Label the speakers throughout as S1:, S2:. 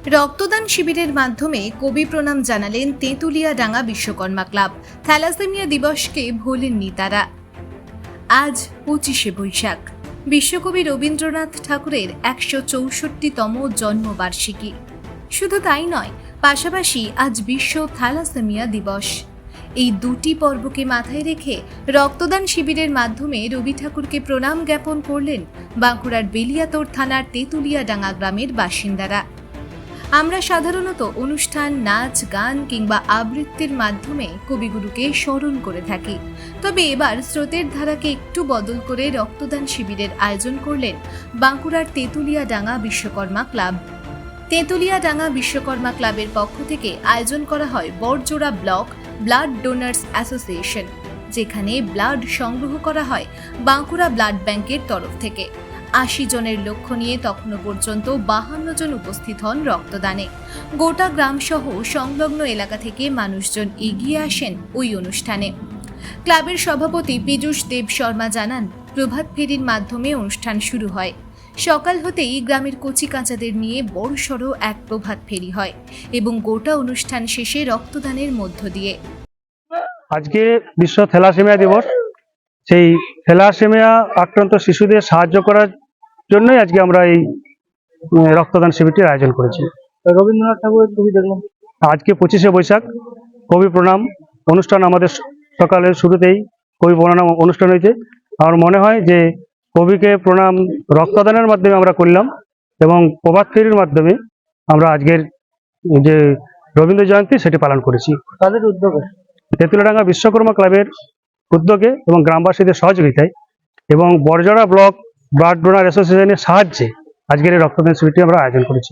S1: রক্তদান শিবিরের মাধ্যমে কবি প্রণাম জানালেন তেঁতুলিয়াডাঙ্গা বিশ্বকর্মা ক্লাব। থ্যালাসেমিয়া দিবসকে ভোলেননি তারা। আজ 25শে বৈশাখ, বিশ্বকবি রবীন্দ্রনাথ ঠাকুরের 164তম জন্মবার্ষিকী। শুধু তাই নয়, পাশাপাশি আজ বিশ্ব থ্যালাসেমিয়া দিবস। এই দুটি পর্বকে মাথায় রেখে রক্তদান শিবিরের মাধ্যমে রবি ঠাকুরকে প্রণাম জ্ঞাপন করলেন বাঁকুড়ার বেলিয়াতোড় থানার তেঁতুলিয়াডাঙ্গা গ্রামের বাসিন্দারা। আমরা সাধারণত অনুষ্ঠান, নাচ, গান কিংবা আবৃত্তির মাধ্যমে কবিগুরুকে স্মরণ করে থাকি। তবে এবার স্রোতের ধারাকে একটু বদল করে রক্তদান শিবিরের আয়োজন করলেন বাঁকুড়ার তেঁতুলিয়াডাঙ্গা বিশ্বকর্মা ক্লাব। তেঁতুলিয়াডাঙ্গা বিশ্বকর্মা ক্লাবের পক্ষ থেকে আয়োজন করা হয় Barjora block blood donors association, যেখানে ব্লাড সংগ্রহ করা হয় বাঁকুড়া ব্লাড ব্যাংকের তরফ থেকে। 80 জনের লক্ষ্য নিয়ে তখনও পর্যন্ত 52 জন উপস্থিত হন রক্তদানে। গোটা গ্রাম সহ সংলগ্ন এলাকা থেকে মানুষজন এগিয়ে আসেন ওই অনুষ্ঠানে। ক্লাবের সভাপতি পীযূষ দেব শর্মা জানান, প্রভাত ফেরির মাধ্যমে অনুষ্ঠান শুরু হয়। সকাল হতেই গ্রামের কচি কাঁচাদের নিয়ে বড়সড় এক প্রভাত ফেরি হয় এবং গোটা অনুষ্ঠান শেষে রক্তদানের মধ্য দিয়ে।
S2: আজকে বিশ্ব থ্যালাসেমিয়া দিবস। সেই থ্যালাসেমিয়া আক্রান্ত শিশুদের সাহায্য করার জন্যই আজকে আমরা এই রক্তদান শিবিরটির আয়োজন করেছি।
S3: রবীন্দ্রনাথ ঠাকুরের ছবি দেখলাম
S2: আজকে 25শে বৈশাখ কবি প্রণাম অনুষ্ঠান আমাদের সকালের শুরুতেই কবি প্রণাম অনুষ্ঠান হয়েছে। আমার মনে হয় যে কবিকে প্রণাম রক্তদানের মাধ্যমে আমরা করলাম এবং প্রভাত ফেরির মাধ্যমে আমরা আজকের যে রবীন্দ্র জয়ন্তী সেটি পালন করেছি।
S3: তাদের উদ্যোগে
S2: তেঁতুলিয়াডাঙ্গা বিশ্বকর্মা ক্লাবের উদ্যোগে এবং গ্রামবাসীদের সহযোগিতায় এবং বড়জোড়া ব্লক ব্লাড ডোনার অ্যাসোসিয়েশনের সাহায্যে আজকের এই রক্তদান শিবিরটি আমরা আয়োজন করেছি।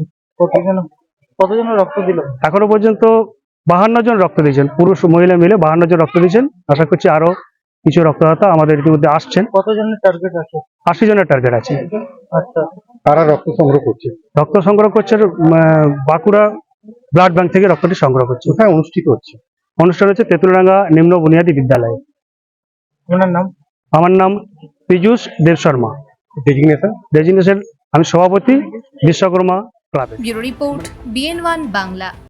S3: কতজন রক্ত দিল?
S2: এখনো পর্যন্ত 52 জন রক্ত দিয়েছেন, পুরুষ মহিলা মিলে 52 জন রক্ত দিয়েছেন। আশা করছি আরো কিছু রক্তদাতা আমাদের ইতিমধ্যে আসছেন।
S3: কতজনের টার্গেট আছে?
S2: 80 জনের টার্গেট আছে।
S3: আচ্ছা,
S4: তারা রক্ত সংগ্রহ করছে।
S2: রক্ত সংগ্রহ করছে বাঁকুড়া ব্লাড ব্যাংক থেকে রক্তটি সংগ্রহ করছে।
S4: কোথায় অনুষ্ঠিত হচ্ছে?
S2: অনুষ্ঠান হচ্ছে তেঁতুলিয়াডাঙ্গা নিম্ন বুনিয়াদী বিদ্যালয়ে।
S3: ওনার নাম?
S2: আমার নাম পীযূষ দেব শর্মা।
S4: ডেজিগনেশন?
S2: আমি সভাপতি বিশ্বকর্মা ক্লাবের।
S1: Bureau report, BN1 Bangla.